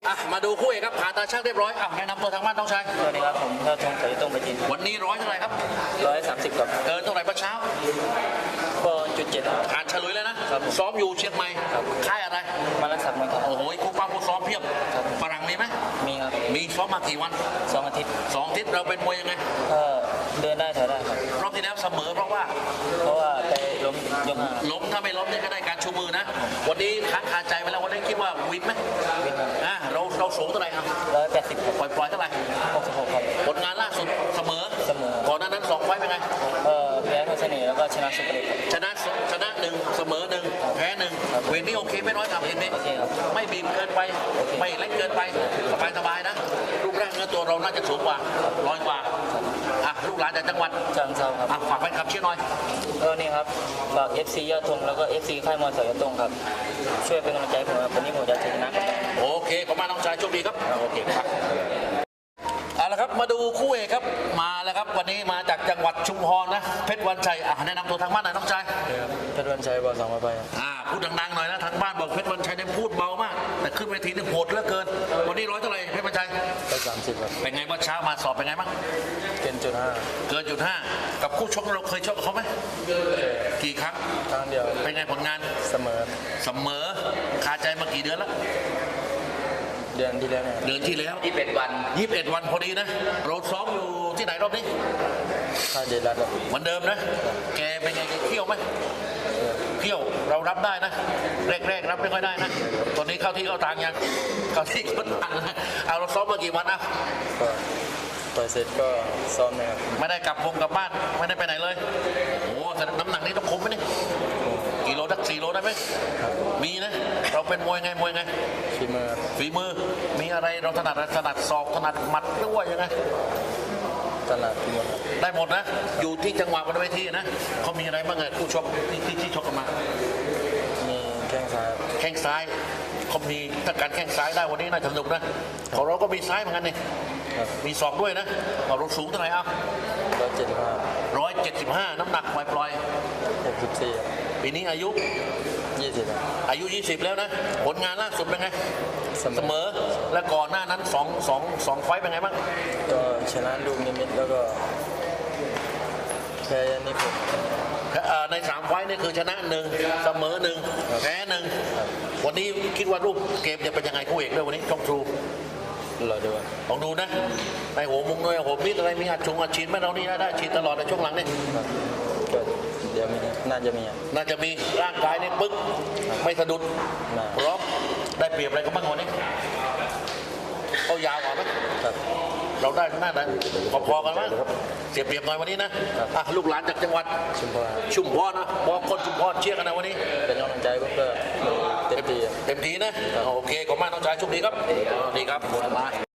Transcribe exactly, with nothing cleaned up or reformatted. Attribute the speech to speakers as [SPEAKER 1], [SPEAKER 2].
[SPEAKER 1] อ่ะมาดูคู่เอกครับผ่าตาช่างเรียบร้อยอ่ะแนะนำตัวทางบ้านน้องชาย
[SPEAKER 2] สวัสดีครับผมยอดธงสายตรงไปจีน
[SPEAKER 1] วันนี้ร้อยเท่าไหร่ครับ
[SPEAKER 2] ร้อยสามสิบครับ
[SPEAKER 1] เกินเท่าไหร่เมื่อเช้า
[SPEAKER 2] ก็จุดเจ็ด
[SPEAKER 1] ผ่านเฉลยแล้วนะครับซ้อมอยู่เชียงใหม่ค่ายอะไร
[SPEAKER 2] มาลักศักดิ์มวยครับ
[SPEAKER 1] โอ้โหคู่ป้าคู่ซ้อมเพียบฝรั่งมีไหม
[SPEAKER 2] มีครับ
[SPEAKER 1] มีซ้อมมากี่วัน
[SPEAKER 2] สองอาทิตย์
[SPEAKER 1] สองอาทิตย์เราเป็นมวยยังไง
[SPEAKER 2] ก็เดินได้ถอยได้ครับ
[SPEAKER 1] รอบที่แล้วเสมอเพราะว่า
[SPEAKER 2] เพราะว่าไปล้มยกห้า
[SPEAKER 1] ล้มถ้าไม่ล้มเนี่ยก็ได้การชูมือนะวันนี้ค้างคาใจไว้แล้ววันนี้คิดว่าวินไหม
[SPEAKER 2] วิน
[SPEAKER 1] อ่ะเราเราสูงเท่าไหร่ครับ
[SPEAKER 2] ร้อยแปดสิบ
[SPEAKER 1] ปล่อยปล่อยเท่าไหร่
[SPEAKER 2] หกสิบหกครับ
[SPEAKER 1] ผลงานล่าสุดเสมอ
[SPEAKER 2] เสมอ
[SPEAKER 1] ก่อนหน้านั้นสองไฟเป็นไง
[SPEAKER 2] เออแพ้เพชรเสน่ห์แล้วก็ชนะสุพรรณ
[SPEAKER 1] ชนะชนะหนึ่งเสมอหนึ่งแพ้หนึ่งเวรนี้โอเคไม่น้อยครับเห็นไหมไม่บีบเกินไปไม่เล็กเกินไปสบายสบายนะรูปร่างเนื้อตัวเราน่าจะสูงกว่าร้อยกว่าอ่ะลูกหลานจากจังหวัด
[SPEAKER 2] เชียงรายครับ
[SPEAKER 1] อ่ะฝากแฟนคลับเชียร์หน่อย
[SPEAKER 2] เออนี่ครับฝาก เอฟ ซี ยอดธงแล้วก็ เอฟ ซี ค่ายมวยสายตรงครับช่วยเป็นกำลังใจผมครับวันนี้ผมจะชนะ
[SPEAKER 1] โอเคขอบคุณน้องชายโชคดีครับโอเคครับเอาละครับมาดูคู่เอกครับมาแล้วครับวันนี้มาจากจังหวัดชุมพรนะเพชรวันชัยอ่ะแนะนำตัวทางบ้านหน่อยน้องชาย
[SPEAKER 2] เพชรวันชัยบอกสองมาไป
[SPEAKER 1] อ่าพูดดังๆหน่อยนะทางบ้านบอกเพชรวันชัยเนี่ยพูดเบามากแต่ขึ้นเวทีนี่โหดเหลือเกินวันนี้ร้อยเท่าไหร่เพชรวันชัย
[SPEAKER 2] ร้อยสามสิบครับ
[SPEAKER 1] เป็นไงเมื่อเช้ามาสอบเป็นไงบ้าง
[SPEAKER 2] เกินจุดห้า
[SPEAKER 1] เกินจุดห้ากับคู่ชกเราเคยชกเขาไหมกี่ครั้ง
[SPEAKER 2] ครั้งเดียว
[SPEAKER 1] เป็นไงผลงาน
[SPEAKER 2] เสมอ
[SPEAKER 1] เสมอคาใจมากี่เดือนแล้ว
[SPEAKER 2] เดือนที่แล้วเนี่ย
[SPEAKER 1] เดือนที่แล้ว
[SPEAKER 2] ยี่สิบเอ็ดวัน
[SPEAKER 1] ยี่สิบเอ็ดวันพอดีนะเราซ้อมอยู่ที่ไหนรอบนี้
[SPEAKER 2] ค่ายเดลัด
[SPEAKER 1] เหมือนเดิมนะแกเป็นไงเที่ยวไหมเที่ยวเรารับได้นะแรกๆรับไม่ค่อยได้นะตอนนี้เข้าที่เข้าทางยังเข้าที่เข้าทางนะเอาเราซ้อมมากี่วันนะ
[SPEAKER 2] ต่อยเสร็จก็ซ้อมนะครับ
[SPEAKER 1] ไม่ได้กลับวงกลับบ้านไม่ได้ไปไหนเลยโอ้แต่น้ำหนักนี้ต้องคุมไหมนี่กี่โลสักสี่โลได้ไหมมีนะเราเป็นมวยไงมวยไง
[SPEAKER 2] ฝีมือ
[SPEAKER 1] ฝีมือมีอะไรเราถนัดถนัดศอกถนัดหมัดหรือว่ายังไง
[SPEAKER 2] ถนัดหมด
[SPEAKER 1] ได้หมดนะอยู่ที่จังหวะบนเวทีนะเขามีอะไรบ้างไงคู่ชกที่ที่ที่ชกกันมา
[SPEAKER 2] มีแข้งซ้าย
[SPEAKER 1] แข้งซ้ายเขามีถ้าการแข้งซ้ายได้วันนี้น่าจะสนุกนะของเราก็มีซ้ายเหมือนกันนี่มีศอกด้วยนะเราสูงเท่าไหร่อ่ะ
[SPEAKER 2] ร้อยเจ็ดสิบห้า
[SPEAKER 1] ร้อยเจ็ดสิบห้าน้ำหนักปล่อยปล่อย
[SPEAKER 2] หกสิบสี่
[SPEAKER 1] ปีนี้อายุ
[SPEAKER 2] ยี่สิบ
[SPEAKER 1] อายุยี่สิบแล้วนะผลงานล่าสุดเป็นไงเสมอและก่อนหน้านั้นสองสองสองไฟเป็นไงบ้าง
[SPEAKER 2] ก็ชนะลูกนิมิตแล้วก็แพ้นิพนธ์
[SPEAKER 1] ในสามไฟนี่คือชนะหนึ่งเสมอหนึ่งแพ้หนึ่งวันนี้คิดว่ารูปเกมจะเป็นยังไงคู่เอกด้วยวันนี้ช่องทรู
[SPEAKER 2] รอดู
[SPEAKER 1] ลองดูนะในหัวมุงด้วยหัวมิดอะไรมีอัดชงอัดฉีดไหมเรานี่ได้ฉีดตลอดในช่วงหลังนี่
[SPEAKER 2] เดี๋ยวมีน่าจะมี
[SPEAKER 1] น่าจะมีร่างกายนี่ปึ๊กไม่สะดุดพร้อมได้เปรียบอะไรก็บ้างวันนี้เขายาวกว่าไหมเราได้หน้าได้พอๆกันไหมเสียเปรียบหน่อยวันนี้นะอ่ะลูกหลานจากจังหวัด
[SPEAKER 2] ชุมพร
[SPEAKER 1] ชุมพรนะบอกคนชุมพรเชียร์กันนะวันนี้
[SPEAKER 2] เป็นกำลังใจก็เต็มที่
[SPEAKER 1] เต็มที่นะโอเคขอบคุณมากน้องชายโชคดีครับดีครับ